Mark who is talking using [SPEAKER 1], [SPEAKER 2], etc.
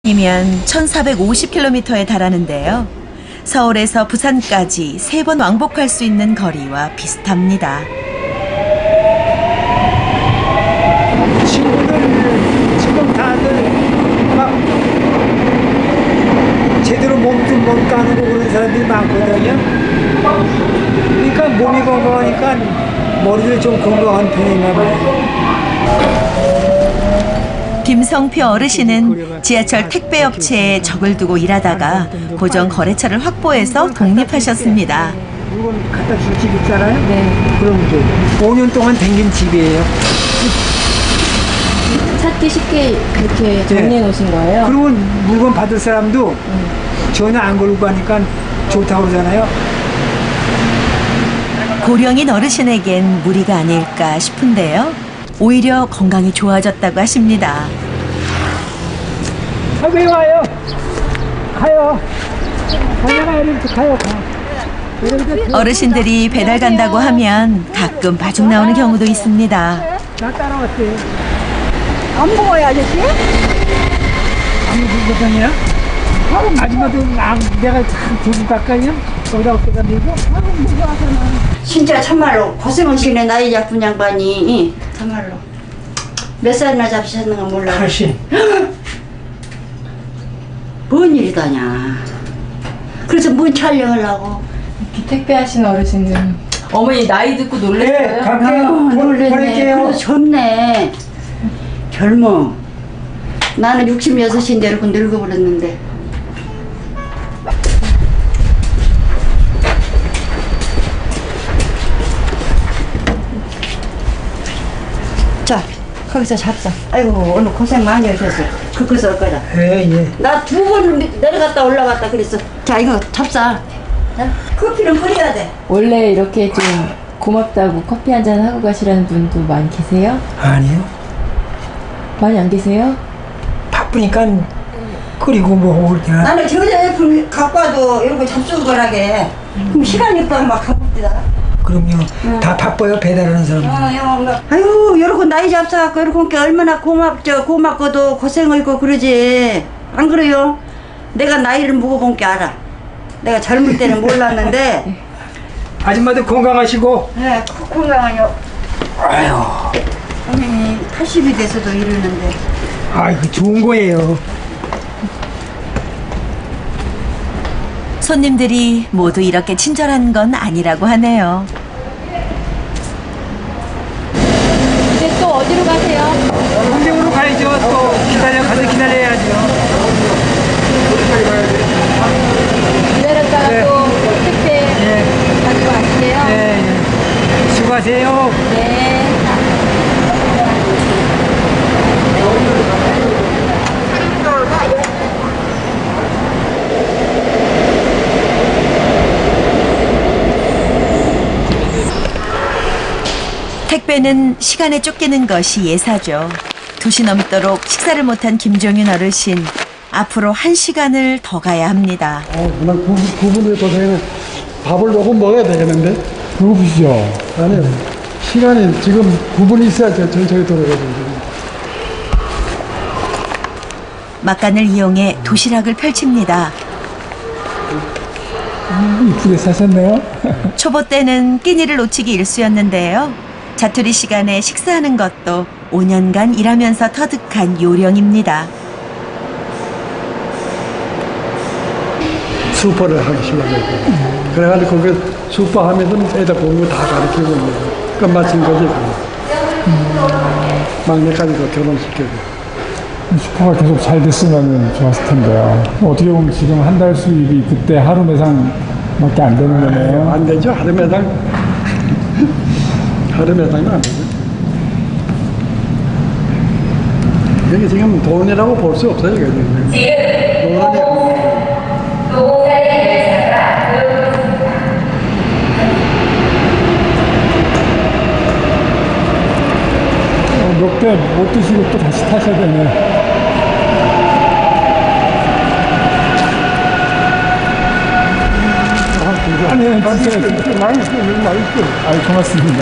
[SPEAKER 1] 이면 1450km에 달하는데요. 서울에서 부산까지 3번 왕복할 수 있는 거리와 비슷합니다.
[SPEAKER 2] 친구들 지금 다들 막 제대로 몸도 못 가누고 그런 사람들이 많거든요. 그러니까 몸이 건강하니까 머리도 좀 건강한 편인가 봐요.
[SPEAKER 1] 김성표 어르신은 지하철 택배업체에 적을 두고 일하다가 고정 거래처를 확보해서 독립하셨습니다.
[SPEAKER 2] 물건 갖다 줄 집 있잖아요?
[SPEAKER 3] 네.
[SPEAKER 2] 그럼 좀 5년 동안 댕긴 집이에요.
[SPEAKER 3] 찾기 쉽게 이렇게 정리해 놓으신 거예요?
[SPEAKER 2] 그리고 물건 받을 사람도 전혀 안 걸고 가니까 좋다고 그러잖아요.
[SPEAKER 1] 고령인 어르신에겐 무리가 아닐까 싶은데요. 오히려 건강이 좋아졌다고 하십니다.
[SPEAKER 2] 아, 왜 와요? 가요. 가요.
[SPEAKER 1] 어르신들이 배달 간다고 하면 가끔 마중 나오는 경우도 있습니다.
[SPEAKER 2] 나 따라왔어요.
[SPEAKER 4] 안 먹어요, 아저씨?
[SPEAKER 2] 아무 불거든요? 하루 마지막에 내가 참 조기 가까이요? 거기다 어깨가 밀고 하루 무서워서는.
[SPEAKER 4] 진짜 참말로 고생하시네, 나이 작은 양반이. 참말로. 몇 살이나 잡히셨는가 몰라.
[SPEAKER 2] 80.
[SPEAKER 4] 뭔 일이다냐. 그래서 뭔 촬영을 하고.
[SPEAKER 3] 택배 하시는 어르신은 어머니 나이 듣고 놀랐어요?
[SPEAKER 2] 네, 갈게요.
[SPEAKER 4] 놀랬네.
[SPEAKER 2] 보낼게요.
[SPEAKER 4] 그래도 젊네. 젊어. 나는 66인데 이렇게 늙어버렸는데. 자, 거기서 잡자. 아이고, 오늘 고생 많이 하셨어. 그거서 올 거다.
[SPEAKER 2] 예.
[SPEAKER 4] 나 2번 내려갔다 올라갔다 그랬어. 자, 이거 잡자. 자, 커피는 끓여야 돼.
[SPEAKER 3] 원래 이렇게 좀 고맙다고 커피 한 잔 하고 가시라는 분도 많이 계세요?
[SPEAKER 2] 아니요.
[SPEAKER 3] 많이 안 계세요?
[SPEAKER 2] 바쁘니까 끓이고 뭐 그렇게.
[SPEAKER 4] 나는 저자애플 갖고 와도 이런 거 잡수고 가라게. 그럼 시간이 없다고 막 가봅니다.
[SPEAKER 2] 그럼요. 다 바빠요, 배달하는 사람.
[SPEAKER 4] 아유, 이러고 나이 잡숴갖고 이러고 얼마나 고맙고도 고생하고 그러지. 안 그래요? 내가 나이를 먹어본 게 알아. 내가 젊을 때는 몰랐는데.
[SPEAKER 2] 아줌마도 건강하시고.
[SPEAKER 4] 네, 건강하요.
[SPEAKER 2] 아유.
[SPEAKER 4] 선생님이 80이 돼서도 이러는데.
[SPEAKER 2] 아이고, 좋은 거예요.
[SPEAKER 1] 손님들이 모두 이렇게 친절한 건 아니라고 하네요.
[SPEAKER 3] 이제 또 어디로 가세요?
[SPEAKER 2] 홍대으로 가야죠. 또 가서 기다려야죠.
[SPEAKER 3] 기다렸다가
[SPEAKER 2] 네.
[SPEAKER 3] 또 택배 가지고 가실래요?
[SPEAKER 2] 네. 수고하세요.
[SPEAKER 3] 네.
[SPEAKER 1] 택배는 시간에 쫓기는 것이 예사죠. 2시 넘도록 식사를 못한 김종윤 어르신. 앞으로 1시간을 더 가야 합니다.
[SPEAKER 5] 정말 그분의 고생은 밥을 조금 먹어야 되겠는데? 배고프시죠? 아니요. 시간이 지금 9분 있어야 저희 돌아가죠.
[SPEAKER 1] 막간을 이용해 도시락을 펼칩니다.
[SPEAKER 5] 이쁘게 사셨네요?
[SPEAKER 1] 초보 때는 끼니를 놓치기 일쑤였는데요. 자투리 시간에 식사하는 것도 5년간 일하면서 터득한 요령입니다.
[SPEAKER 5] 슈퍼를 하기 시작했고 그래가지고 거기 슈퍼 하면서 애들 공부 다 가르치고 있는 끝마친 거지. 막내까지도 결혼시키고.
[SPEAKER 6] 슈퍼가 계속 잘 됐으면 좋았을 텐데요. 어떻게 보면 지금 한 달 수입이 그때 하루 매상밖에 안 되는 거네요.
[SPEAKER 5] 안 되죠. 하루 매당. 하루 매당은 안 되죠. 이게 지금 돈이라고 볼 수 없어요.
[SPEAKER 6] 몇 배 못 드시고 또 다시 타셔야 되네. 아니, 진짜.
[SPEAKER 5] 맛있어.
[SPEAKER 6] 아이, 고맙습니다.